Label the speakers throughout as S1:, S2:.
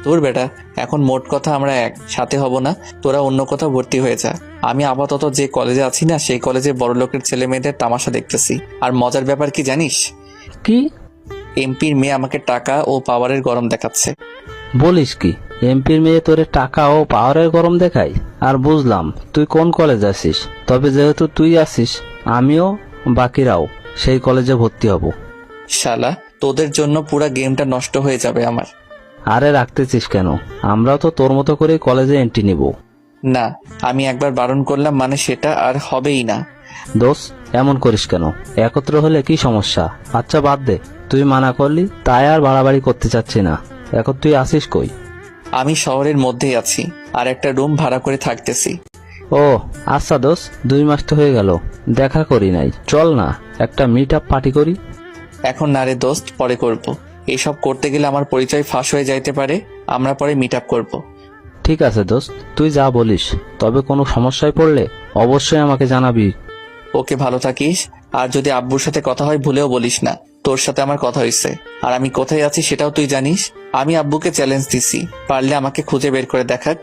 S1: তোর বেটা, এখন মোট কথা আমরা এক সাথে হব না, তোরা অন্য কোথাও ভর্তি হয়ে যা। আমি আপাতত যে কলেজে আছি না, সেই কলেজে বড়লোকের ছেলে মেয়েদের তামাশা দেখতেছি। আর মজার ব্যাপার কি জানিস?
S2: কি
S1: এমপির মেয়ে আমাকে টাকা ও পাওয়ারের গরম দেখাচ্ছে।
S2: বলিস কি? এমপির মেয়ে তোরে টাকা ও পাওয়ারের গরম দেখায়? আর বুঝলাম তুই কোন কলেজ আছিস, তবে যেহেতু তুই আছিস আমিও বাকিরাও সেই কলেজে ভর্তি হব।
S1: শালা, তোদের জন্য পুরা গেমটা নষ্ট হয়ে যাবে আমার।
S2: আরে রাখতেছিস কেন? আমরাও তো তোর মতো করে কলেজে এন্ট্রি নিব।
S1: না, আমি একবার বারণ করলাম মানে সেটা আর হবেই না।
S2: দোষ, এমন করিস কেন? একত্র হলে কি সমস্যা? আচ্ছা বাদ দে, তুই মানা করলি তাই আর বাড়াবাড়ি করতে চাচ্ছি না। এখন তুই আসিস কই?
S1: আমি শহরের মধ্যেই আছি, আর একটা রুম ভাড়া করে থাকতেছি।
S2: ও আচ্ছা দোষ, 2 মাস তো হয়ে গেল, দেখা করি নাই। চল না একটা মিট আপ পার্টি করি।
S1: এখন না রে দোস্ত, পরে করব। এসব করতে গেলে আমার পরিচয় ফাঁস হয়ে যাইতে পারে। আমরা পরে মিট আপ করবো।
S2: ঠিক আছে দোস্ত, তুই যা বলিস, তবে কোনো সমস্যায় পড়লে অবশ্যই আমাকে জানাবি।
S1: ওকে, ভালো থাকিস। আর যদি আব্বুর সাথে কথা হয় ভুলেও বলিস না তোর সাথে আমার কথা হয়েছে। আর আমি কোথায় আছি সেটাও তুই জানিস। আমি আব্বুকে চ্যালেঞ্জ দিছি, পারলে আমাকে খুঁজে বের করে দেখাক।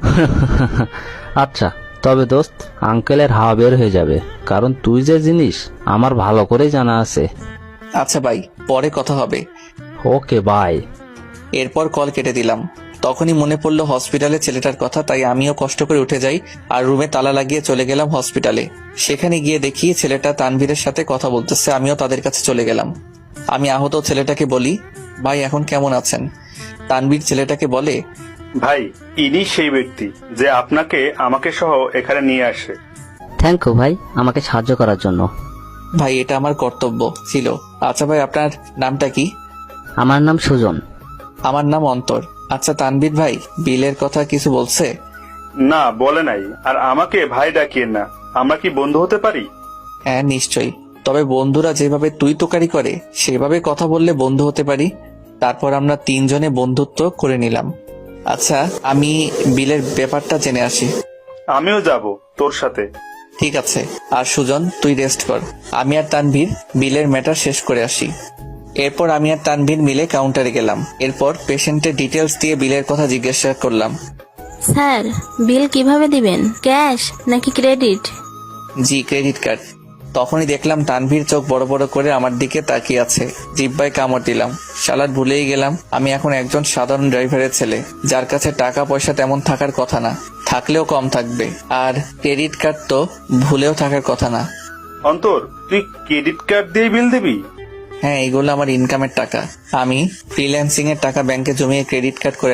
S2: আচ্ছা, তবে দোস্ত আঙ্কেলের হাওয়া বের হয়ে যাবে, কারণ তুই যে জিনিস আমার ভালো করেই জানা আছে।
S1: আচ্ছা ভাই, পরে কথা হবে।
S2: Okay bye.
S1: এরপর কল কেটে দিলাম। তখনই মনে পড়লো হসপিটালে ছেলেটার কথা, তাই আমিও কষ্ট করে উঠে যাই আর রুমে তালা লাগিয়ে চলে গেলাম হসপিটালে। সেখানে গিয়ে দেখি ছেলেটা তানভীরের সাথে কথা বলতেছে। আমিও তাদের কাছে চলে গেলাম। আমি আহত ছেলেটাকে বলি, ভাই এখন কেমন আছেন? তানভীর ছেলেটাকে বলে,
S3: ভাই, ইনি সেই ব্যক্তি যে আপনাকে আমাকে সহ এখানে নিয়ে আসে।
S4: থ্যাংক ইউ ভাই আমাকে সাহায্য করার জন্য।
S1: ভাই এটা আমার কর্তব্য ছিল। আচ্ছা ভাই, আপনার নামটা কি?
S4: আমার নাম সুজন।
S1: আমার নাম অন্তর। আচ্ছা তানভীর ভাই, বিলের কথা কিছু বলছে?
S3: না, বলে নাই। আর আমাকে ভাই ডাকিয়েন না, আমরা কি বন্ধু হতে পারি?
S1: হ্যাঁ নিশ্চয়ই, তবে বন্ধুরা যেভাবে তুই তোকারি করে সেভাবে কথা বললে বন্ধু হতে পারি। তারপর আমরা 3 জনে বন্ধুত্ব করে নিলাম। আচ্ছা, আমি বিলের ব্যাপারটা জেনে আসি।
S3: আমিও যাব তোর সাথে।
S1: ঠিক আছে। আর সুজন, তুই রেস্ট কর। আমি আর তানভীর বিলের ম্যাটার শেষ করে আসি। এরপর আমি আর তানভীর মিলে কাউন্টারে গেলাম। এরপর পেশেন্টের ডিটেলস দিয়ে বিলের কথা জিজ্ঞাসা করলাম।
S5: স্যার, বিল কিভাবে দিবেন? ক্যাশ নাকি ক্রেডিট?
S1: জি, ক্রেডিট কার্ড। তখনই দেখলাম তানভীর চোখ বড় বড় করে আমার দিকে তাকিয়ে আছে। জিব্বায় কামড় দিলাম। শালার ভুলেই গেলাম আমি এখন একজন সাধারণ ড্রাইভারের ছেলে, যার কাছে টাকা পয়সা তেমন থাকার কথা না, থাকলেও কম থাকবে। আর ক্রেডিট কার্ড তো ভুলেও থাকার কথা না।
S3: অন্তর, তুই ক্রেডিট কার্ড দিয়ে বিল দিবি?
S1: হ্যাঁ, এগুলো আমার ইনকামের টাকা। আমি ফ্রিল্যান্সিং এর টাকা ব্যাংকে জমিয়ে ক্রেডিট কার্ড করে